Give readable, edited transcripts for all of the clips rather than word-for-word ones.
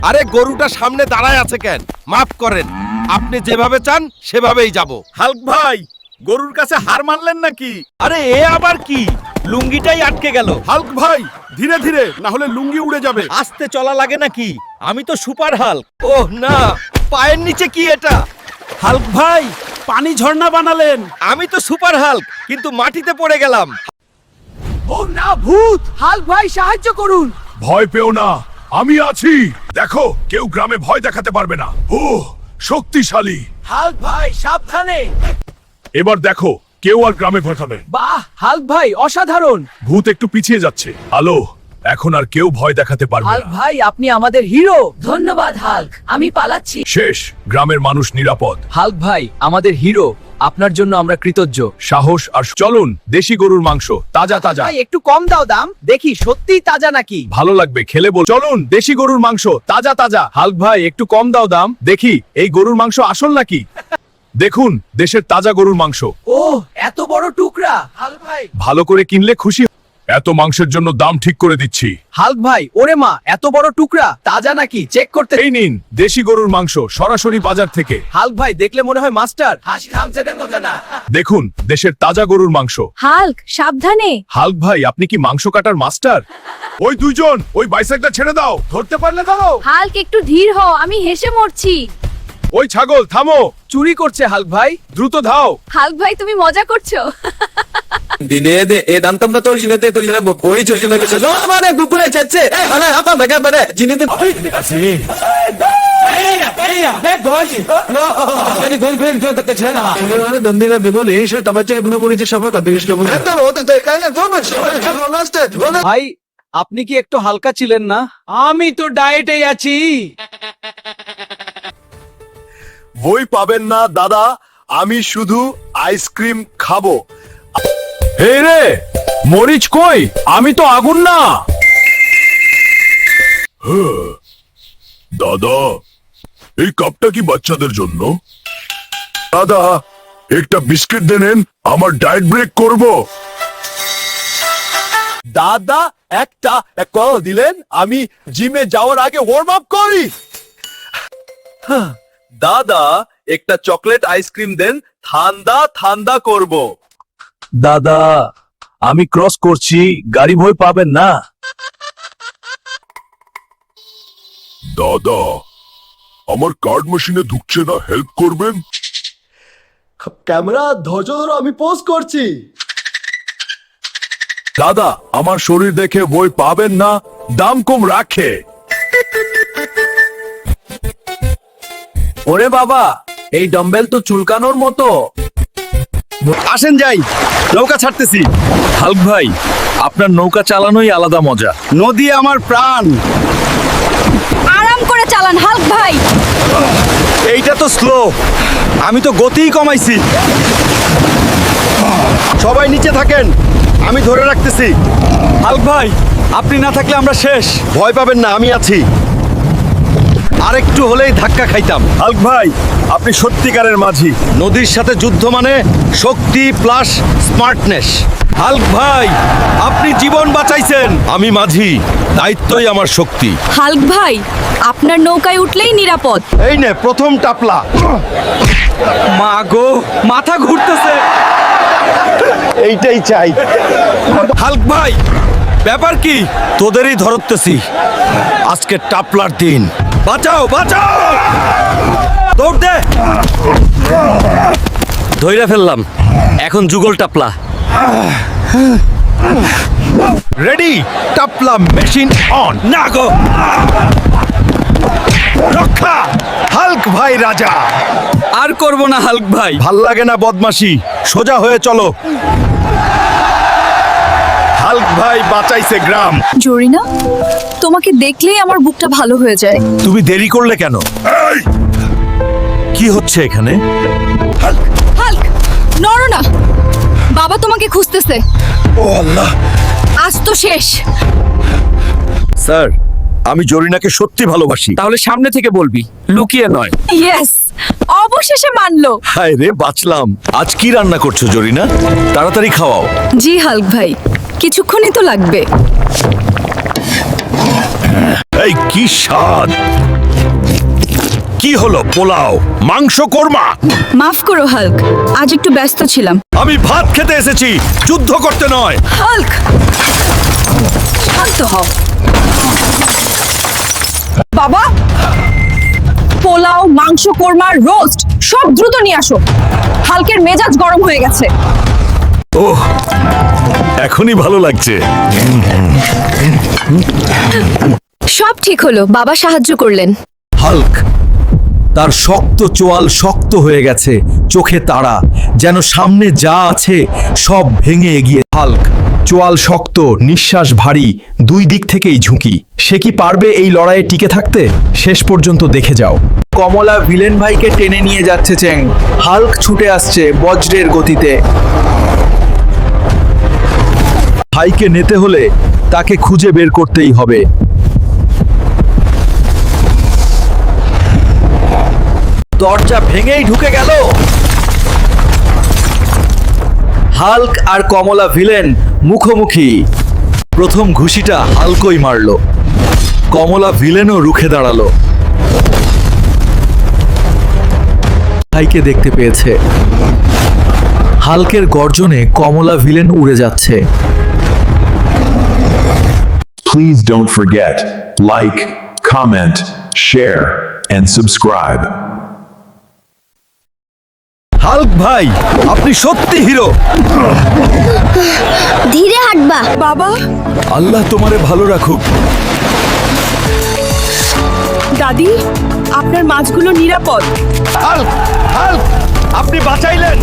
আরে গরুটা সামনে দাঁড়ায় আছে কেন? মাফ করেন, আপনি যেভাবে চান সেভাবেই যাব। হাল্ক ভাই, গরুর কাছে হার মানলেন নাকি? আরে এ আবার কি? লুঙ্গিটাই আটকে গেল। হাল্ক ভাই, ধীরে ধীরে, না হলে লুঙ্গি উড়ে যাবে। আস্তে চলা লাগে নাকি? আমি তো সুপার হাল্ক। ওহ না, পায়ের নিচে কি এটা? হাল্ক ভাই, পানি ঝর্ণা বানালেন। আমি তো সুপার হাল্ক, কিন্তু মাটিতে পড়ে গেলাম। ও না, ভূত! হাল্ক ভাই, সাহায্য করুন। ভয় পেও না, আমি আছি। দেখো, কেউ গ্রামে ভয় দেখাতে পারবে না। ও শক্তিশালী। হাল্ক ভাই, সাবধানে। এবার দেখো, কেউ আর গ্রামে ভয় পাবে না। বাহ, হাল্ক ভাই অসাধারণ। ভূত একটু পিছিয়ে যাচ্ছে। আলো, এখন আর কেউ ভয় দেখাতে পারবে হাল্ক না। ভাই, আপনি আমাদের হিরো। ধন্যবাদ হাল্ক, আমি পালাচ্ছি। শেষ, গ্রামের মানুষ নিরাপদ। হাল্ক ভাই, আমাদের হিরো, আপনার জন্য আমরা কৃতজ্ঞ। সাহস আর চলুন, দেশি গরুর মাংস, তাজা তাজা। ভাই, একটু কম দাও দাম, দেখি সত্যিই তাজা নাকি। ভালো লাগবে খেলে বল। চলুন, দেশি গরুর মাংস, তাজা তাজা। হাল্ক ভাই, একটু কম দাও দাম, দেখি এই গরুর মাংস আসল নাকি। দেখুন, দেশের তাজা গরুর মাংস। ও, এত বড় টুকরা। হাল্ক ভাই, ভালো করে কিনলে খুশি। এত মাংসের জন্য দাম ঠিক করে দিচ্ছি। হাল্ক ভাই, ওরে মা, এত বড় টুকরা তাজা নাকি চেক করতে। এই নিন, দেশি গরুর মাংস, সরাসরি বাজার থেকে। হাল্ক ভাই, দেখলে মনে হয় মাস্টার। হাসি থামছে না। দেখুন, দেশের তাজা গরুর মাংস। হাল্ক, সাবধানে। হাল্ক ভাই, আপনি কি মাংস কাটার মাস্টার? ওই দুইজন, ওই বাইসাইকেলটা ছেড়ে দাও। ধরতে পারলে ধরো। হাল্ক, একটু ধীর হও, আমি হেসে মরছি। ওই ছাগল থামো। চুরি করছে হাল্ক ভাই। দ্রুত ধাও। হাল্ক ভাই, তুমি মজা করছো। Dinede e dantam to jinete to jina boi to jina ke no mane gupure chache ana apa mega bane jinete asi be goji no ani gon gon to te chena ana dandina begol e she tamache ibne poriche shabha ka desh ke bole to hote te kai na do na last ভাই, আপনি কি একটু হালকা ছিলেন না? আমি তো ডায়েটেই আছি। বই পাবেন না দাদা, আমি শুধু আইসক্রিম খাবো। হে রে, মরিচ কই? আমি তো আগুন না। দাদা, এই কাপটা কি বাচ্চাদের জন্য? দাদা, একটা বিস্কিট দেন, আমার ডায়েট ব্রেক করব। দাদা, একটা কল দিলেন, আমি জিমে যাওয়ার আগে ওয়ার্ম আপ করি। দাদা, একটা চকলেট আইসক্রিম দেন, ঠান্ডা ঠান্ডা করব। দাদা, আমি ক্রস করছি, গাড়ি ভয় পাবেন না। দাদা, আমার কার্ড মেশিনে ঢুকছে না, হেল্প করবেন? ক্যামেরা ধৈর্য ধরো, আমি পোস্ট করছি। দাদা, আমার শরীর দেখে বই পাবেন না, দাম কম রাখে। ওরে বাবা, এই ডাম্বেল তো চুলকানোর মতো। আসেন যাই, নৌকা ছাড়তেছি। হাল্ক ভাই, আপনার নৌকা চালানোই আলাদা মজা। নদী আমার প্রাণ। আরাম করে চালান হাল্ক ভাই। এইটা তো স্লো, আমি তো গতিই কমাইছি। সবাই নিচে থাকেন, আমি ধরে রাখতেছি। হাল্ক ভাই, আপনি না থাকলে আমরা শেষ। ভয় পাবেন না, আমি আছি। আরেকটু হলেই ধাক্কা খাইতাম। হাল্ক ভাই, আপনি সত্যিকারের মাঝি। নদীর সাথে যুদ্ধ মানে শক্তি প্লাস স্মার্টনেস। হাল্ক ভাই, আপনি জীবন বাঁচাইছেন। আমি মাঝি, দায়িত্বই আমার শক্তি। হাল্ক ভাই, আপনার নৌকায় উঠলেই নিরাপদ। এই নে প্রথম টাপলা। মা গো, মাথা ঘুরতেছে। এইটাই চাই। হাল্ক ভাই, ব্যাপার কি? তোদেরই ধরতেছি। আজকে টাপলার দিন। বাঁচাও বাঁচাও, দৌড় দে। ধইরা ফেললাম, এখন যুগল টাপলা। রেডি, টাপলা মেশিন অন। না গো, রক্ষা। হাল্ক ভাই রাজা। আর করব না হাল্ক ভাই, ভাল লাগে না বদমাশি। সোজা হয়ে চলো। হাল্ক ভাই বাঁচাইছে গ্রাম। জরিনা, তোমাকে দেখলেই আমার বুকটা ভালো হয়ে যায়। তুমি দেরি করলে কেন? কি হচ্ছে এখানে? হাল্ক, নড়ো না, বাবা তোমাকে খুঁজতেছে। ও আল্লাহ, আজ তো শেষ। স্যার, আমি জরিনাকে সত্যি ভালোবাসি। তাহলে সামনে থেকে বলবি, লুকিয়ে নয়। ইয়েস, অবশেষে মানলো। হায় রে, বাঁচলাম। আজ কি রান্না করছো জরিনা? তাড়াতাড়ি খাওয়াও। জি হাল্ক ভাই, কিছুক্ষণই তো লাগবে। এই কি স্বাদ! কি হলো? পোলাও, মাংস, কোরমা? মাফ করো হাল্ক, আজ একটু ব্যস্ত ছিলাম। আমি ভাত খেতে এসেছি, যুদ্ধ করতে নয়। হাল্ক, শান্ত হও। বাবা, পোলাও, মাংস, কোরমা, রোস্ট সব দ্রুত নিয়ে আসো। হাল্কের মেজাজ গরম হয়ে গেছে। ওহ, এখনই ভালো লাগছে। সব ঠিক হলো, বাবা সাহায্য করলেন। হাল্ক, তার শক্ত চোয়াল শক্ত হয়ে গেছে, চোখে তাড়া, যেন সামনে যা আছে সব ভেঙে এগিয়ে। হাল্ক, চোয়াল শক্ত, নিঃশ্বাস ভারী, দুই দিক থেকেই ঝুঁকি। সে কি পারবে এই লড়াইয়ে টিকে থাকতে? শেষ পর্যন্ত দেখে যাও। কমলা ভিলেন ভাইকে টেনে নিয়ে যাচ্ছে চ্যাং। হাল্ক ছুটে আসছে বজ্রের গতিতে। ভাইকে নিতে হলে তাকে খুঁজে বের করতেই হবে। দরজা ভেঙেই ঢুকে গেল। হাল্ক আর কমলা ভিলেন মুখোমুখি। প্রথম ঘুষিটা হাল্কই মারল, কমলা ভিলেনও রুখে দাঁড়ালো। ভাইকে দেখতে পেয়েছে। হাল্কের গর্জনে কমলা ভিলেন উড়ে যাচ্ছে। Please don't forget, like, comment, share, and subscribe. Hulk ভাই, আপনি সত্যি হিরো। ধীরে হাঁটবা। বাবা, আল্লাহ তোমারে ভালো রাখুক। দাদি, আপনার মাছগুলো নিরাপদ। হাল্ক, হাল্ক, আপনি বাঁচাইলেন।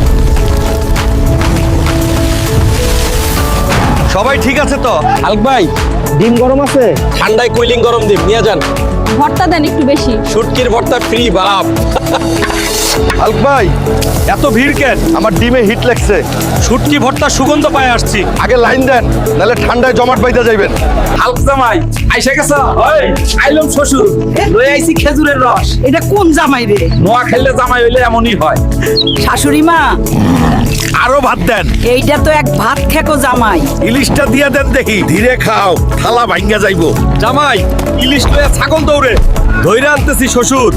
সবাই ঠিক আছে তো? হাল্ক ভাই, ডিম গরম আছে? ঠান্ডায় কুলিং গরম ডিম নিয়ে যান। ভর্তা দেন একটু বেশি। শুটকির ভর্তা ফ্রি বাপ। হাল্ক ভাই, এত ভিড় কেন? আমার ডিমে হিট লাগছে। শুটকি ভর্তা সুগন্ধ পায় আসছি। আগে লাইন দেন, নাহলে ঠান্ডায় জমাট বাইতে যাইবেন। হাল্ক জামাই আইসা গেছ? ওই আইলম শ্বশুর, লই আইছি খেজুরের রস। এটা কোন জামাই রে? নোয়া খেললে জামাই হইলে এমনই হয়। শাশুড়ি মা, আরো ভাত দেন। এইটা তো এক ভাত খেকো জামাই। ইলিশটা দিয়া দেন দেখি। ধীরে খাও, থালা ভাঙ্গা যাইবো। জামাই, ইলিশ লইয়া ছাগল দৌড়ে ধইরা আনতেছি শ্বশুর।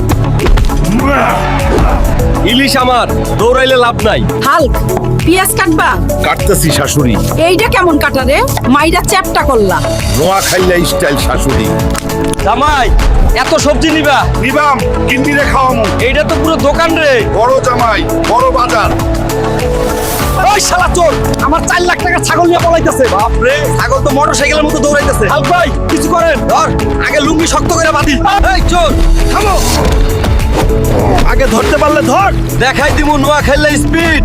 ইলিশ আমার, দৌড়াইলে লাভ নাই। হাল্ক, পেঁয়াজ কাটবা? কাটতেছি শাশুড়ি। এইটা কেমন কাটা রে? মাইরা চ্যাপটা করলা। নোয়া খাইলে স্টাইল শাশুড়ি। জামাই, এত সবজি নিবা? নিবাম, কিন্নি রে খাওয়ামু। এইটা তো পুরো দোকান রে। বড় জামাই, বড় বাজার। ওই শালা চোর, আমার 4 লাখ টাকা ছাগল নিয়ে পলাইতেছে। বাপ রে, ছাগল তো মোটরসাইকেলের মতো দৌড়াইতেছে। হাল্ক ভাই, কিছু করেন। ধর, আগে লুঙ্গি শক্ত করে বাঁধি। এই চোর, থামো। আগে ধরতে পারলে ধর। দেখাই দিমু নোয়া খেললে স্পিড।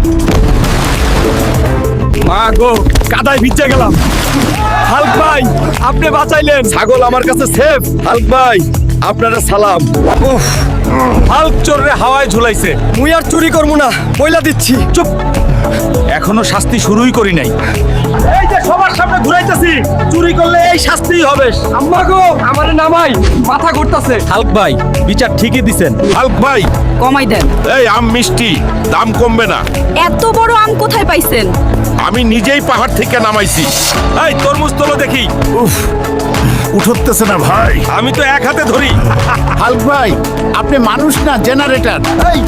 মা গো, কাদায় ভিজে গেলাম। হাল্ক ভাই, আপনি বাঁচাইলেন। ছাগল আমার কাছে সেফ। হাল্ক ভাই, আপনারা সালাম। উফ, হাল্ক চোররে হাওয়ায় ঝুলাইছে। মুই আর চুরি করবো না, বইলা দিচ্ছি। চুপ, এখনো শাস্তি শুরুই করি নাই। এই যে সবার সামনে ঘুরাইতেছি, চুরি করলে এই শাস্তিই হবে। আম্মা গো, আমারে নামাই, মাথা ঘুরতাছে। হাল্ক ভাই, বিচার ঠিকই দিছেন। হাল্ক ভাই, কমাই দেন। এই আম মিষ্টি, দাম কমবে না। এত বড় আম কোথায় পাইছেন? আমি নিজেই পাহাড় থেকে নামাইছি। এই তরমুজ তোলো দেখি। উফ, উঠতেছে না ভাই। আমি তো এক হাতে ধরি। হাল্ক ভাই, আপনি মানুষ না জেনারেটর। এই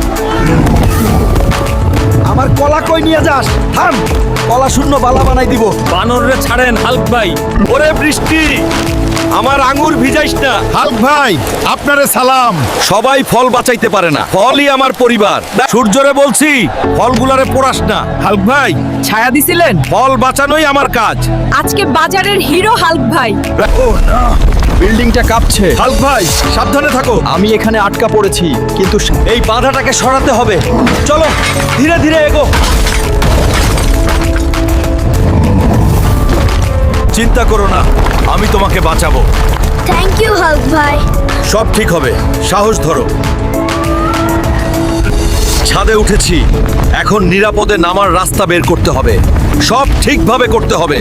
আমার কলা কই নিয়ে যাস? থাম, কলা শূন্য বালা বানাই দিব। বানররে ছাড়েন হাল্ক ভাই। ওরে বৃষ্টি, আমার আঙ্গুর ভিজাইস না। হাল্ক ভাই, আপনারে সালাম। সবাই ফল বাঁচাইতে পারে না, ফলই আমার পরিবার। সূর্যরে বলছি, ফলগুলারে পোড়াস না। হাল্ক ভাই, ছায়া দিছিলেন? ফল বাঁচানোই আমার কাজ। আজকে বাজারের হিরো হাল্ক ভাই। ও না, বিল্ডিংটা কাঁপছে। হাল্ক ভাই, সাবধানে থাকো। আমি এখানে আটকা পড়েছি, কিন্তু এই বাধাটাকে সরাতে হবে। চলো, ধীরে ধীরে এগো। চিন্তা করো না, আমি তোমাকে বাঁচাবো। থ্যাংক ইউ হাল্ক ভাই। সব ঠিক হবে, সাহস ধরো। ছাদে উঠেছি, এখন নিরাপদে নামার রাস্তা বের করতে হবে। সব ঠিকভাবে করতে হবে।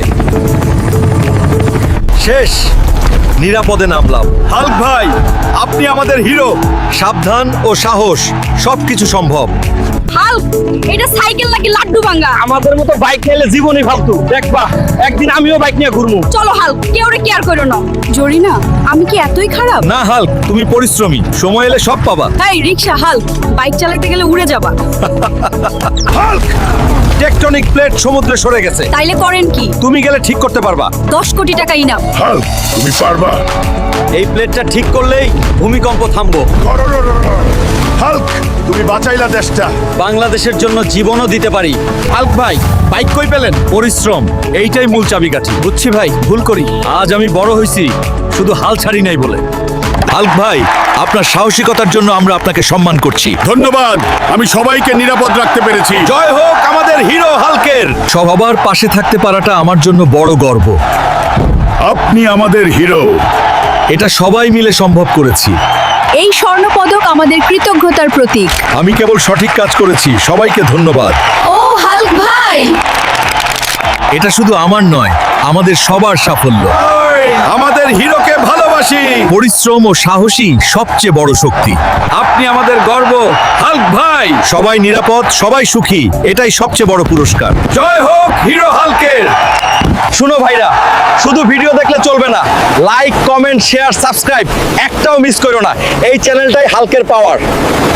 শেষ, নিরাপদে নামলাম। হাল্ক ভাই, আপনি আমাদের হিরো। সাবধান ও সাহস, সবকিছু সম্ভব। হাল্ক এটা সাইকেল নাকি লাড্ডু ভাঙ্গা? আমাদের মতো বাইক নিলে জীবনই ফালতু। দেখবা একদিন আমিও বাইক নিয়ে ঘুরবো। চলো হাল্ক, কেউ কেয়ার করো না। জরিনা, আমি কি এতই খারাপ? না হাল্ক, তুমি পরিশ্রমী, সময় এলে সব পাবা। এই রিকশা হাল্ক, বাইক চালাতে গেলে উড়ে যাবা। হাল্ক, টেকটনিক প্লেট সমুদ্রে সরে গেছে, তাইলে করেন কি? তুমি গেলে ঠিক করতে পারবা। 10 কোটি টাকা ইনাম। হাল্ক তুমি পারবা। এই প্লেটটা ঠিক করলেই ভূমিকম্প থামবো। হাল্ক তুমি বাঁচাইলা দেশটা। বাংলাদেশের জন্য জীবনও দিতে পারি। হাল্ক ভাই, বাইক কই পেলেন? পরিশ্রম, এইটাই মূল চাবিকাঠি। বুঝছি ভাই, ভুল করি। আজ আমি বড় হইছি শুধু হাল ছাড়ি নাই বলে। হাল্ক ভাই, আপনার সাহসিকতার জন্য আমরা আপনাকে সম্মান করছি। ধন্যবাদ, আমি সবাইকে নিরাপদ রাখতে পেরেছি। জয় হোক আমাদের হিরো হাল্কের। সবার পাশে থাকতে পারাটা আমার জন্য বড় গর্ব। আপনি আমাদের হিরো। এটা সবাই মিলে সম্ভব করেছি। এই স্বর্ণ পদক আমাদের কৃতজ্ঞতার প্রতীক। আমি কেবল সঠিক কাজ করেছি, সবাইকে ধন্যবাদ। ও হাল্ক ভাই, এটা শুধু আমার নয়, আমাদের সবার সাফল্য। আমাদের হিরোকে ভালোবাসি। পরিশ্রম ও সাহসী সবচেয়ে বড় শক্তি। আপনি আমাদের গর্ব হাল্ক ভাই। সবাই নিরাপদ, সবাই সুখী, এটাই সবচেয়ে বড় পুরস্কার। জয় হোক হিরো হাল্কের। শুনো ভাইরা, শুধু ভিডিও দেখলে চলবে না, লাইক, কমেন্ট, শেয়ার, সাবস্ক্রাইব একটাও মিস করো না। এই চ্যানেলটাই হাল্কের পাওয়ার।